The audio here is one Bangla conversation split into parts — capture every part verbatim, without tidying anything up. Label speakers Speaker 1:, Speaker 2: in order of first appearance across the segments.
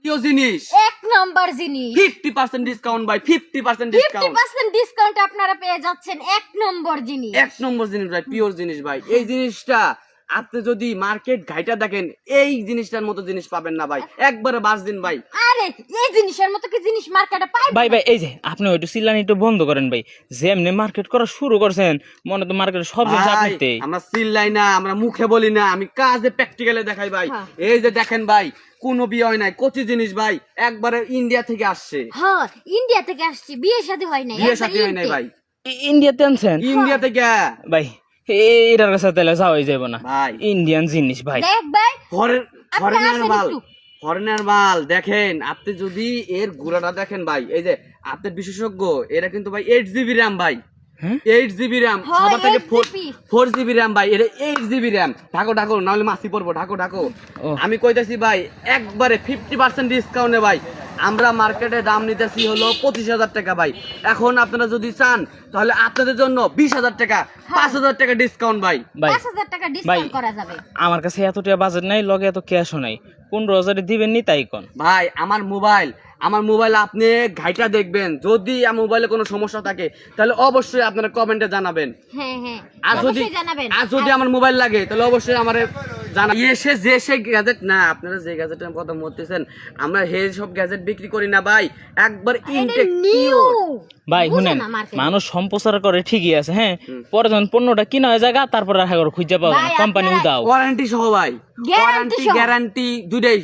Speaker 1: জাতীয় জিনিস,
Speaker 2: এক নম্বর জিনিস,
Speaker 1: ফিফটি পার্সেন্ট ডিসকাউন্ট ভাই, fifty percent
Speaker 2: fifty
Speaker 1: discount,
Speaker 2: percent discount আপনারা পেয়ে যাচ্ছেন এক নম্বর জিনিস।
Speaker 1: এক নম্বর জিনিস ভাই, পিওর জিনিস ভাই। এই জিনিসটা আপনি যদি মার্কেট ঘাইটা দেখেন, এই জিনিসটার মতো জিনিস পাবেন না ভাই, একবারে বাস দিন ভাই।
Speaker 2: আরে এই জিনিসের মতো কি জিনিস মার্কেটে পাই
Speaker 3: ভাই ভাই এই যে আপনি ওইটু চিল্লানি একটু বন্ধ করেন ভাই, যে এমনি মার্কেট করা শুরু করছেন মনে তো মার্কেটে সব জিনিস
Speaker 1: ভাই,
Speaker 3: আপনিতেই।
Speaker 1: আমরা চিল্লাই না, আমরা মুখে বলি না, আমি কাজে প্র্যাকটিক্যালে দেখাই ভাই।
Speaker 2: হ্যাঁ।
Speaker 1: এই যে দেখেন ভাই, কোনো বিয়ে হয় নাই, কচি জিনিস ভাই, একবারে ইন্ডিয়া থেকে আসছে,
Speaker 2: হ্যাঁ ইন্ডিয়া থেকে আসছি, বিয়ে শাদী হয় নাই,
Speaker 1: বিয়ে
Speaker 2: একবার
Speaker 1: সাথে হয় নাই
Speaker 2: ইন্ডিয়া।
Speaker 1: ভাই,
Speaker 3: ই- ইন্ডিয়াতে আনছেন
Speaker 1: ইন্ডিয়া থেকে
Speaker 3: ভাই, এটার কাছে তাহলে যাওয়াই যাবো না
Speaker 1: ভাই।
Speaker 3: ইন্ডিয়ান জিনিস ভাই।
Speaker 2: দেখ ভাই
Speaker 1: ফরেন
Speaker 2: আপনি
Speaker 1: ফরেনার
Speaker 2: আসেন
Speaker 1: মাল,
Speaker 2: একটু।
Speaker 1: ফরেনার মাল দেখেন আপনি যদি এর গুড়াটা দেখেন ভাই, এই যে আপনি বিশেষজ্ঞ, এরা কিন্তু ভাই এইট জিবি র্যাম ভাই,
Speaker 3: হ্যাঁ?
Speaker 1: এইট জিবি র্যাম,
Speaker 2: হয়,
Speaker 1: সবার থেকে
Speaker 2: eight GB
Speaker 1: four GB RAM ভাই, এটা এইট জিবি র্যাম। ঢাকো ঢাকো, নাহলে মাসি পড়বো, ঢাকো ঢাকো।
Speaker 3: ও।
Speaker 1: আমি কইতেছি ভাই, একবারে ফিফটি পার্সেন্ট ডিসকাউন্টে ভাই, আমরা মার্কেটে দাম নিতেছি হলো পঁচিশ হাজার টাকা ভাই। এখন আপনারা যদি চান তাহলে আপনাদের জন্য বিশ হাজার টাকা, পাঁচ হাজার টাকা ডিসকাউন্ট ভাই।
Speaker 3: ভাই
Speaker 2: পাঁচ হাজার টাকা ডিসকাউন্ট করা যাবে।
Speaker 3: আমার কাছে এতটা বাজেট নাই, লগে এত ক্যাশও নাই, পনেরো হাজারে দিবেন নি তাই কোন
Speaker 1: ভাই আমার মোবাইল, আমার মোবাইল আপনি ঘাইটা দেখবেন, যদি আমার মোবাইলে কোনো সমস্যা থাকে তাহলে অবশ্যই আপনারা কমেন্টে জানাবেন।
Speaker 2: হ্যাঁ হ্যাঁ
Speaker 1: আর যদি
Speaker 2: অবশ্যই জানাবেন।
Speaker 1: আর যদি আমার মোবাইল লাগে তাহলে অবশ্যই আমারে জানা। এসে যে সে গ্যাজেট না, আপনারা যে গ্যাজেটের কথা বলতেছেন, আমরা হে সব গ্যাজেট বিক্রি করি না ভাই, একবার ইনটেক
Speaker 2: নিউ
Speaker 3: ভাই শুনেন, মানুষ সম্প্রচার করে ঠিকই আছে, হ্যাঁ পরে যখন পণ্যটা কিনা হয়ে যায় তারপর রাখা করে খুঁজে পাবো না,
Speaker 2: ভাই,
Speaker 3: কোম্পানি
Speaker 2: আপনারা-
Speaker 3: উদাও।
Speaker 1: ওয়ারেন্টি সহ ভাই,
Speaker 2: Guarantee
Speaker 1: ওয়ারেন্টি
Speaker 2: সহ।
Speaker 1: গ্যারান্টি দুইটাই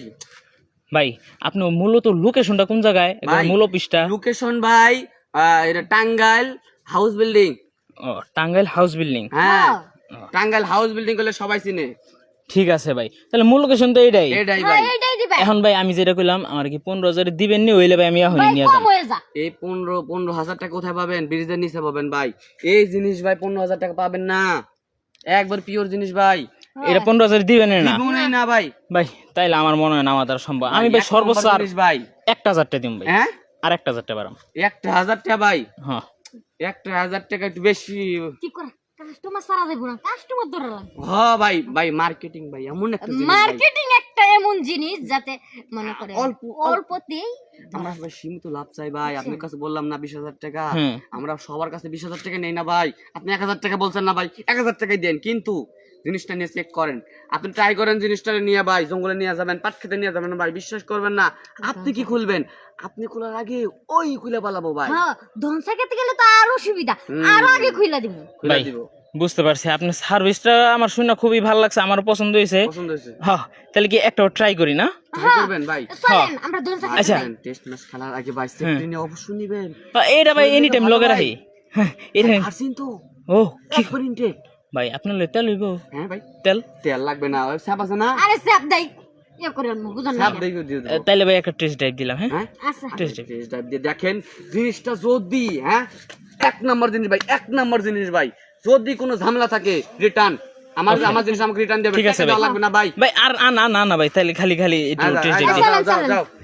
Speaker 3: ভাই আপনি মূলত লোকেশনটা কোন জায়গায়,
Speaker 1: ভাই।
Speaker 3: মূল অফিসটা?
Speaker 1: লোকেশন ভাই আহ, এটা টাঙ্গাইল হাউস বিল্ডিং।
Speaker 3: ও টাঙ্গাইল হাউস বিল্ডিং।
Speaker 1: হ্যাঁ,
Speaker 2: হ্যাঁ।
Speaker 1: টাঙ্গাইল হাউস বিল্ডিং করলে সবাই চিনে।
Speaker 3: ঠিক আছে ভাই, তাহলে মূল লোকেশন তো এটাই।
Speaker 1: এটাই
Speaker 2: হ্যাঁ
Speaker 1: ভাই।
Speaker 2: এটাই দিবেন
Speaker 3: এখন ভাই আমি যেটা কইলাম, আমার কি পনেরো হাজারে দিবেন নি? হইলে ভাই আমি এখনই
Speaker 2: ভাই,
Speaker 3: নিয়ে
Speaker 2: কম
Speaker 3: যাম।
Speaker 2: হয়ে যা।
Speaker 1: এই পনেরো পনেরো হাজার টাকা কোথায় পাবেন? ব্রিজের নিচে পাবেন ভাই। এই জিনিস ভাই পনেরো হাজার টাকা পাবেন না, একবার পিওর জিনিস ভাই,
Speaker 3: এটা পনেরো হাজার দিবেন না
Speaker 1: জীবনেই না ভাই।
Speaker 3: ভাই, তাইলে আমার মনে হয় না আমার দ্বারা সম্ভব। আমি ভাই
Speaker 1: এক
Speaker 3: সর্বোচ্চ
Speaker 1: নম্বর
Speaker 3: আর
Speaker 1: জিনিস ভাই।
Speaker 3: একটা হাজার টাকা দিম ভাই,
Speaker 1: হ্যাঁ,
Speaker 3: আর একটা হাজার টাকা বাড়াম।
Speaker 1: একটা হাজার টাকা ভাই,
Speaker 3: হ্যাঁ
Speaker 1: একটা হাজার টাকা একটু বেশি।
Speaker 2: কি করে কাস্টমার সারা দেব না, কাস্টমার ধরে লাগবে।
Speaker 1: হ্যাঁ ভাই, ভাই মার্কেটিং ভাই এমন একটা জিনিস ভাই,
Speaker 2: মার্কেটিং একটা এমন জিনিস যাতে মনে করে
Speaker 1: অল্প
Speaker 2: অল্পতেই
Speaker 1: আমরা ভাই সীমিত লাভ চাই ভাই। আপনার কাছে বললাম না বিশ হাজার টাকা,
Speaker 3: হুম।
Speaker 1: আমরা সবার কাছে বিশ হাজার টাকা নেই না ভাই। আপনি এক হাজার টাকা বলছেন না ভাই, এক হাজার টাকাই দেন, কিন্তু জিনিসটা নিয়ে চেক করেন, আপনি ট্রাই করেন জিনিসটা নিয়ে ভাই, জঙ্গলে নিয়ে যাবেন, পাট খেতে নিয়ে যাবেন ভাই, বিশ্বাস করবেন না। আপনি কি খুলবেন, আপনি খোলার আগে ওই খুলে পালাবো ভাই,
Speaker 2: হ্যাঁ ধনসা খেতে গেলে তো আরো সুবিধা, আরো আগে খুইলা দিব।
Speaker 1: খুলে
Speaker 3: ভাই
Speaker 1: দিব।
Speaker 3: বুঝতে পারছি, আপনার সার্ভিসটা আমার শুনে খুবই ভালো লাগছে, আমার পছন্দ হয়েছে।
Speaker 1: পছন্দ হয়েছে,
Speaker 3: হ্যাঁ তাহলে কি একটা ট্রাই করি না?
Speaker 1: ট্রাই করবেন ভাই।
Speaker 2: চলেন আমরা ধনসা খেতে
Speaker 3: আচ্ছা।
Speaker 2: যাই।
Speaker 1: টেস্ট ম্যাচ খেলার আগে ভাই সেফটি নিয়ে অবশ্যই নিবেন।
Speaker 3: হ্যাঁ, এটা ভাই এনি টাইম লগে রাখি। হ্যাঁ এটা
Speaker 1: আসিন তো
Speaker 3: ও কি
Speaker 1: একবার ইনটেক।
Speaker 3: ভাই আপনার লই তেল হইব?
Speaker 1: হ্যাঁ ভাই,
Speaker 3: তেল
Speaker 1: তেল লাগবে না, ওই স্যাপ আছে না,
Speaker 2: আরে স্যাপ দেই ইয়ে করে আনবো, বুঝুন না।
Speaker 1: স্যাপ দিয়ে দিয়ে দেবো।
Speaker 3: তাইলে ভাই একটা টেস্ট ড্রাইভ দিলাম। হ্যাঁ
Speaker 1: হ্যাঁ,
Speaker 2: আচ্ছা
Speaker 3: টেস্ট ড্রাইভ।
Speaker 1: টেস্ট ড্রাইভ দিয়ে দেখেন জিনিসটা, যদি হ্যাঁ এক নাম্বার জিনিস ভাই, এক নাম্বার জিনিস ভাই, যদি কোনো ঝামেলা থাকে রিটার্ন, আমার আমার জিনিস আমাকে রিটার্ন দেবে,
Speaker 3: ঠিক আছে
Speaker 1: টাকা দেওয়া
Speaker 3: ভাই।
Speaker 1: লাগবে না ভাই।
Speaker 3: ভাই আর না না না ভাই, তাহলে খালি খালি একটু
Speaker 1: আচ্ছা,
Speaker 3: টেস্ট
Speaker 1: আচ্ছা,
Speaker 3: ড্রাইভ দিই।
Speaker 1: যাও, যাও,
Speaker 2: চলেন,
Speaker 1: যাও।